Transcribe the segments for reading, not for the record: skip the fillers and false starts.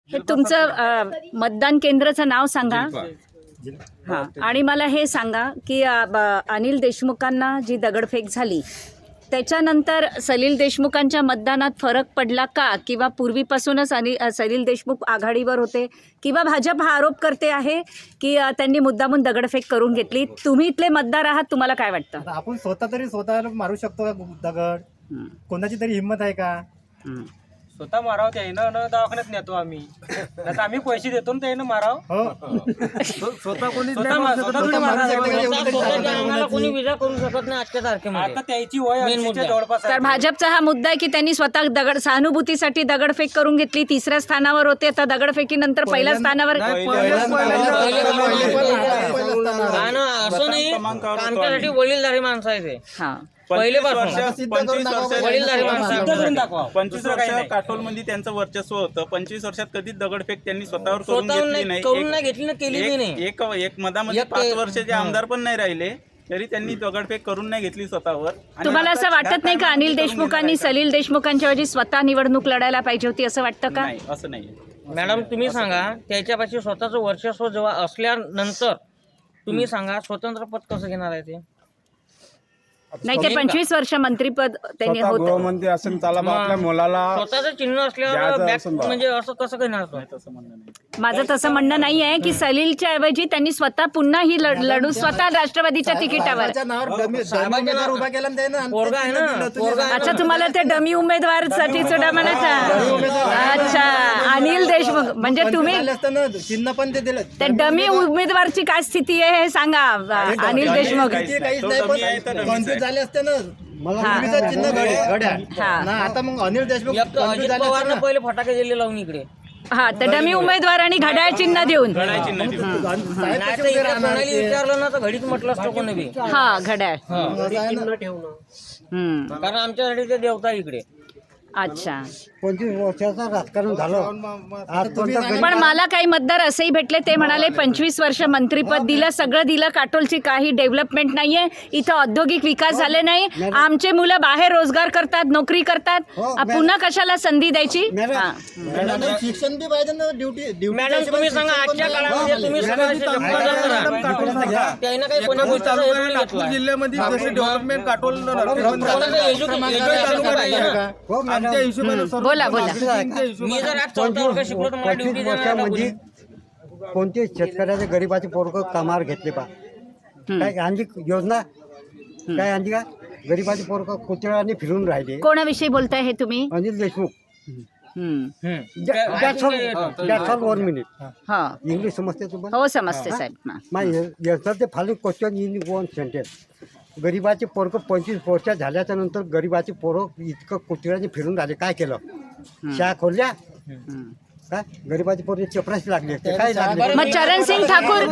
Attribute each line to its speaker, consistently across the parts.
Speaker 1: हे तुमचं मतदान केंद्राचं नाव सांगा. हां, आणि मला हे सांगा की अनिल देशमुखांना जी दगडफेक झाली त्याच्यानंतर सलील देशमुखांच्या मतदानात फरक पडला का, किंवा पूर्वीपासूनच सलील देशमुख आघाडीवर होते, किंवा भाजप हा आरोप करते आहे की त्यांनी मुद्दामून दगडफेक करून घेतली? तुम्ही इथले मतदार आहात, तुम्हाला काय वाटतं?
Speaker 2: आपण स्वतः मारू शकतो का दगड? कोणाची तरी हिंमत आहे का?
Speaker 3: स्वतः माराव ते ना दवाखान्यात नेतो आम्ही. आता आम्ही पैसे देतो ना ते माराव.
Speaker 2: स्वतः कोणी
Speaker 4: आम्हाला कोणी विजा करू शकत नाही आजच्या तारखेमध्ये.
Speaker 3: आता त्याची वय 80च्या जवळपास
Speaker 1: तर भाजपचा हा मुद्दा आहे की त्यांनी स्वतः सहानुभूतीसाठी दगडफेक करून घेतली. तिसऱ्या स्थानावर होते, आता दगडफेकीनंतर पहिल्या स्थानावर.
Speaker 4: असं नाही, आमच्यासाठी वडीलधारी माणसं आहे ते.
Speaker 1: हां,
Speaker 4: पहिलेपासून
Speaker 5: 25 वर्ष काटोलमध्ये त्यांचं वर्चस्व होतं. 25 वर्षात कधीच दगडफेक त्यांनी स्वतःवर करून घेतली
Speaker 4: करून घेतली ना, केली नाही.
Speaker 5: एक मधामध्ये 5 वर्षाचे आमदार पण नाही राहिले तरी त्यांनी दगडफेक करून नाही घेतली स्वतःवर.
Speaker 1: तुम्हाला असं वाटत नाही का अनिल देशमुखांनी सलील देशमुखांच्या ऐवजी स्वतः निवडणूक लढायला पाहिजे होती, असं वाटतं का?
Speaker 5: नाही, असं नाही.
Speaker 4: मॅडम तुम्ही सांगा, त्याच्यापाशी स्वतःचं वर्चस्व जेव्हा असल्यानंतर तुम्ही सांगा स्वतंत्र पद कसं घेणार आहे ते?
Speaker 1: नाही, ते 25 वर्ष मंत्रीपद त्यांनी होतं.
Speaker 6: गृहमंत्री असेल त्याला आपल्या मुलाला
Speaker 4: स्वतःचं चिन्ह असल्यावर बॅक म्हणजे असं कसं घेणार तो?
Speaker 1: माझं तसं म्हणणं नाही आहे की सलीलच्या ऐवजी त्यांनी स्वतः पुन्हा ही लढू स्वतः राष्ट्रवादीच्या तिकिटावर.
Speaker 2: उभा केला
Speaker 4: पोरगा आहे ना, पोरगा.
Speaker 1: अच्छा, तुम्हाला ते डमी उमेदवार साठी चुडा म्हणायचा? अच्छा, अनिल देशमुख म्हणजे तुम्ही
Speaker 2: चिन्ह पण ते दिलं.
Speaker 1: त्या डमी उमेदवारची काय स्थिती आहे हे सांगा. अनिल देशमुख
Speaker 2: कॉन्फ्युज झाले असते ना. मला चिन्ह घड्या ना. आता मग अनिल देशमुख
Speaker 4: अजित पवारनं पहिले फटाके दिले लावून इकडे.
Speaker 1: हा, तर डमी उमेदवार आणि घड्याळ चिन्ह देऊन.
Speaker 4: नाही तर इकडे कोणाला विचारलं ना तर घडीच म्हटलं असतं कोणी बी.
Speaker 1: हा, घड्याळ.
Speaker 4: कारण आमच्यासाठी ते देवता इकडे.
Speaker 1: अच्छा,
Speaker 2: 25 वर्षाचं राजकारण झालं.
Speaker 1: पण मला काही मतदार असेही भेटले, ते म्हणाले 25 वर्ष मंत्रीपद दिलं, सगळं दिलं, काटोलची काही डेव्हलपमेंट नाहीये, इथं औद्योगिक विकास झाले नाही, आमचे मुलं बाहेर रोजगार करतात, नोकरी करतात, पुन्हा कशाला संधी द्यायची?
Speaker 2: शिक्षण बी पाहिजे ना. ड्युटी
Speaker 4: मॅडम तुम्ही सांगा, आजच्या काळामध्ये तुम्ही त्यानं काही कोणा गोष्टीचा
Speaker 6: जिल्ह्यामध्ये जसे डेव्हलपमेंट काटोल
Speaker 1: बोला बोला.
Speaker 4: मी जर आज 14 वर्ष शिकलो तर मला ड्युटी देणार
Speaker 2: म्हणजे कोणते शेतकऱ्याचे गरीबाचे पोरग कामावर घेतले पा काय आणखी योजना काय आणखी का गरीबाचे पोरग कुत्र्याने फिरून राहिले.
Speaker 1: कोणाविषयी बोलताय हे तुम्ही?
Speaker 2: अनिल देशमुख.
Speaker 1: हम्म.
Speaker 2: 1 मिनिट.
Speaker 1: हा,
Speaker 2: इंग्लिश समजते तुम्हाला?
Speaker 1: हो समजते साहेब.
Speaker 2: ते फॉलोइंग क्वेश्चन इन 1 सेंटेन्स. गरीबाचे पोरग 25 वर्ष झाल्याच्या नंतर गरीबाचे पोरग इतकं कुत्र्याने फिरून राहिले, काय केलं? शाळा खोलल्या काय? गरीबाचे पोरग चपराशी लागले असते, काय लागले?
Speaker 1: मग चरणसिंग ठाकूर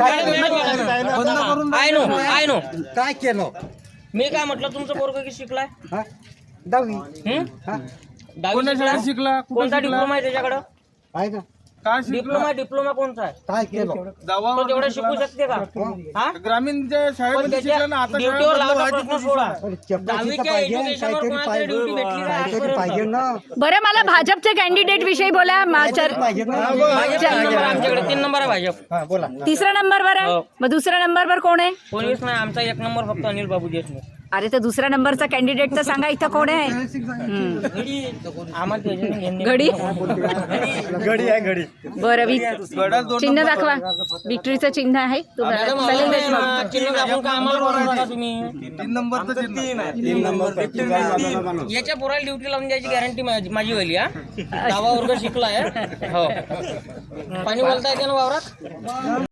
Speaker 4: आय नो
Speaker 2: काय केलं?
Speaker 4: मी काय म्हटलं, तुमचं पोरग की शिकलाय?
Speaker 2: 10वी. हा,
Speaker 4: शिकला. कोणता डिप्लोमा आहे त्याच्याकडं?
Speaker 2: आहे ना.
Speaker 4: डिप्लोमा कोणता आहे?
Speaker 2: काय केलं?
Speaker 4: तो तेवढं शिकू शकते का? हा?
Speaker 6: ग्रामीणच्या
Speaker 4: पण त्याच्या ड्युटीवर लावता प्रश्न सोडा.
Speaker 2: चपराशीचं
Speaker 4: 10वीच्या
Speaker 2: पाहिजे,
Speaker 4: एज्युकेशनवर
Speaker 2: काहीतरी
Speaker 4: कोणाला ड्युटी भेटली का
Speaker 2: काहीतरी पाहिजे ना.
Speaker 1: बरं, मला भाजपच्या कॅन्डिडेट विषयी बोला.
Speaker 2: पाहिजे ना.
Speaker 4: भाजप 3 नंबर आमच्याकडे, 3 नंबर आहे भाजप.
Speaker 2: हा, बोला.
Speaker 1: तिसऱ्या नंबरवर आहे. मग दुसऱ्या नंबरवर कोण आहे?
Speaker 4: कोणीच नाही, आमचा 1 नंबर फक्त अनिल बाबू देशमुख.
Speaker 1: अरे, तर दुसऱ्या नंबरचा कॅन्डिडेट तर सांगा, इथं कोण आहे?
Speaker 4: आम्हाला त्याच्यातून घेणे.
Speaker 1: घडी.
Speaker 2: घडी आहे, घडी.
Speaker 1: बरं, चिन्ह दाखवा. विक्ट्रीचं चिन्ह आहे
Speaker 4: मॅडम,
Speaker 1: सलील देशमुख.
Speaker 4: चिन्ह दाखवून का आम्हाला बोलवता तुम्ही?
Speaker 6: 3 नंबरचं चिन्ह.
Speaker 4: याच्या पोराला ड्युटी लावून द्यायची गॅरंटी माझी वाली. हा, 10वा वर्ग शिकलाय. हो, पाणी बोलता येते ना वावरात?